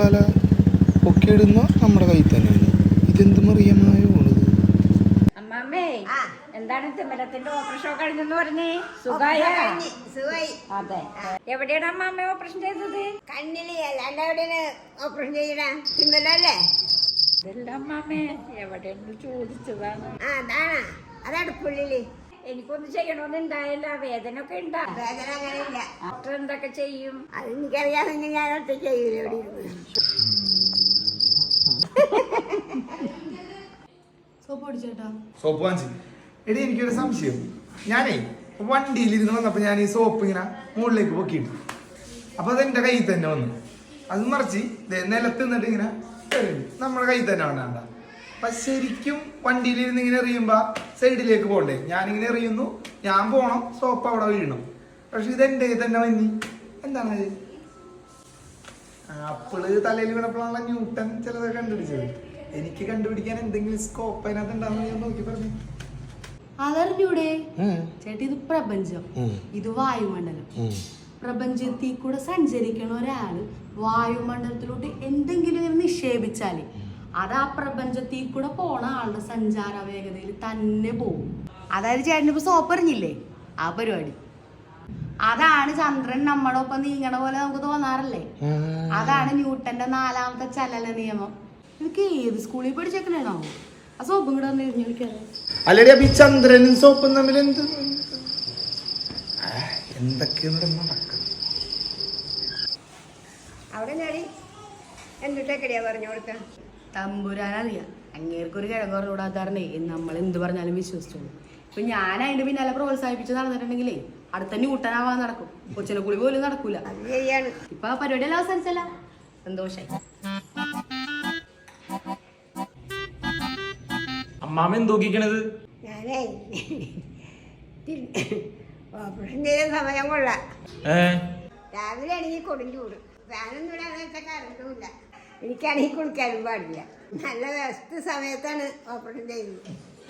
കൊള്ളാല. ഒക്കെ ഇടുന്ന നമ്മുടെ കയ്യിൽ തന്നെയാണ്. ഇതെന്ത് മറിയമായ പോണത്. അമ്മാമ്മേ എന്താണ് തിമരത്തിന്റെ ഓപ്പറേഷൻ കഴിഞ്ഞെന്ന് പറഞ്ഞേ? സുഖായി. അതെ, എവിടെയാണ് അമ്മാമ്മ ഓപ്പറേഷൻ ചെയ്തത്? കണ്ണില്. അല്ലാണ്ട് എവിടെയാണ് ഓപ്പറേഷൻ ചെയ്യണ? തിന്നലല്ലേ? ഇതല്ല അമ്മാമ്മേ, എവിടെയെന്ന് ചോദിച്ചതാണ്. അതാണ്. അതടുപ്പുള്ളില്. എനിക്കൊന്നും ചെയ്യണമെന്നുണ്ടായില്ല. വേദന ഒക്കെ ഉണ്ടാ? വേദന അങ്ങനെ ഇല്ല. ഡോക്ടർ എന്തൊക്കെ ചെയ്യും? അത് എനിക്കറിയാമെങ്കിൽ ഞാൻ ഒറ്റ ചെയ്യൂല. എവിടെ ഇരുന്ന് സോപ്പ് വാങ്ങിച്ചു. എടി എനിക്കൊരു സംശയം. ഞാനേ വണ്ടിയിൽ ഇരുന്ന് വന്നപ്പോ ഞാൻ ഈ സോപ്പ് ഇങ്ങനെ മുകളിലേക്ക് പൊക്കിയിട്ടു. അപ്പൊ അത് എന്റെ കയ്യിൽ തന്നെ വന്നു. അത് മറിച്ച് നിലത്ത് നിന്നിട്ട് ഇങ്ങനെ നമ്മുടെ കയ്യിൽ തന്നെ വേണ്ട. അപ്പൊ ശരിക്കും വണ്ടിയിലിരുന്ന് ഇങ്ങനെ എറിയുമ്പോ സൈഡിലേക്ക് പോകണ്ടേ? ഞാനിങ്ങനെ എറിയുന്നു, ഞാൻ പോണം, സോപ്പ് അവിടെ വീഴണം. പക്ഷെ ഇത് എന്റെ കയ്യിൽ തന്നെ വന്നി. എന്താണ് അപ്പിള് തലയിൽ വീണപ്പോഴാണല്ലോ ന്യൂട്ടൺ ചിലതൊക്കെ കണ്ടുപിടിച്ചത്. എനിക്ക് കണ്ടുപിടിക്കാൻ എന്തെങ്കിലും സ്കോപ്പ് അതിനകത്ത് ഉണ്ടാവുന്ന ഞാൻ നോക്കി പറഞ്ഞു. അതറിഞ്ഞൂടെ ചേട്ടി? ഇത് പ്രപഞ്ചം, ഇത് വായുമണ്ഡലം. പ്രപഞ്ചത്തിൽ കൂടെ സഞ്ചരിക്കണ ഒരാള് വായുമണ്ഡലത്തിലോട്ട് എന്തെങ്കിലും നിക്ഷേപിച്ചാല് അത് ആ പ്രപഞ്ചത്തിൽ കൂടെ പോണ ആളുടെ സഞ്ചാര വേഗതയിൽ തന്നെ പോകും. അതായത് ചേട്ടന് ഇപ്പൊ സോപ്പ് എറിഞ്ഞില്ലേ, ആ പരിപാടി. അതാണ് ചന്ദ്രൻ നമ്മളൊപ്പം നീങ്ങണ പോലെ നമുക്ക് തോന്നാറില്ലേ? അതാണ് ന്യൂട്ടന്റെ 4ാമത്തെ ചലന നിയമം. എനിക്ക് ഏത് സ്കൂളിൽ പഠിച്ചേക്കണോ ആ സോപ്പും കൂടെ അല്ലടി. അപ്പൊ ഈ ചന്ദ്രനും സോപ്പും തമ്മിൽ എന്തൊക്കെയാണ് നടക്കുന്നത്? അവിടെ ഞാടി എന്തിട്ടേക്കടിയാ പറഞ്ഞു കൊടുക്ക? തമ്പുരാനറിയാം. അങ്ങേർക്കൊരു കിഴങ്ങ് പറഞ്ഞു കൂടാത്താറേ നമ്മൾ എന്ത് പറഞ്ഞാലും വിശ്വസിച്ചോളൂ. ഇപ്പൊ ഞാൻ അതിന്റെ പിന്നാലെ പ്രോത്സാഹിപ്പിച്ച് നടന്നിട്ടുണ്ടെങ്കിലേ അടുത്ത ന്യൂട്ടനാവാൻ നടക്കും. കൊച്ചിനെ കുളി പോലും നടക്കൂല. ഇപ്പൊ ആ പരിപാടിയെല്ലാം അവസാനിച്ചല്ല. സന്തോഷായി. അമ്മാമ എന്തോക്കിക്കണത്? ഞാനേ ഓപ്പറേഷൻ ചെയ്ത സമയം കൊള്ളാം. രാവിലെ ആണെങ്കിൽ കൊടും ചൂട്. ഫാനൊന്നും ഇടാന്ന് വെച്ചാൽ കറണ്ടുമില്ല. എനിക്കാണെങ്കിൽ കുളിക്കാനും പാടില്ല. നല്ല ബെസ്റ്റ് സമയത്താണ് ഓപ്പറേഷൻ ചെയ്യുന്നത്.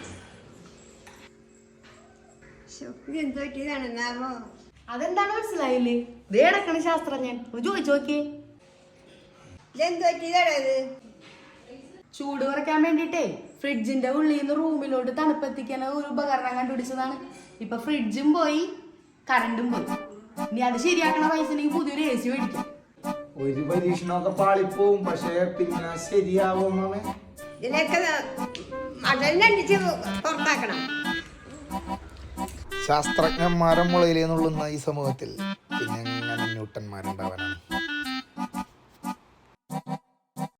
എന്ത് പറ്റിയതാണെന്നാവോ? അതെന്താണ് മനസ്സിലായില്ലേ? ഇതേ അടക്കണ ശാസ്ത്രജ്ഞൻ ചോദിച്ചു നോക്കിയേ. ഇതെന്ത് പറ്റിയതാണത്? ചൂട് കുറയ്ക്കാൻ വേണ്ടിട്ടേ ഫ്രിഡ്ജിന്റെ ഉള്ളിൽ നിന്ന് റൂമിലോട്ട് തണുപ്പെത്തിക്കാൻ ഒരു ഉപകരണം കണ്ടുപിടിച്ചതാണ്. ഇപ്പൊ ഫ്രിഡ്ജും പോയി, കറണ്ടും പോയി. ഇനി അത് ശരിയാക്കണ പൈസ പുതിയൊരു AC മേടിക്കാം. ഒരു പരീക്ഷണമൊക്കെ പാളിപ്പോവും, പക്ഷെ പിന്നെ ശരിയാവും. ഇതിനൊക്കെ മടലടിച്ച് പുറത്താക്കണം. ശാസ്ത്രജ്ഞന്മാരെ മുളയിലേന്നുള്ളുന്ന ഈ സമൂഹത്തിൽ പിന്നെ എങ്ങനെ ന്യൂട്ടന്മാരുണ്ടാവാനാണ്?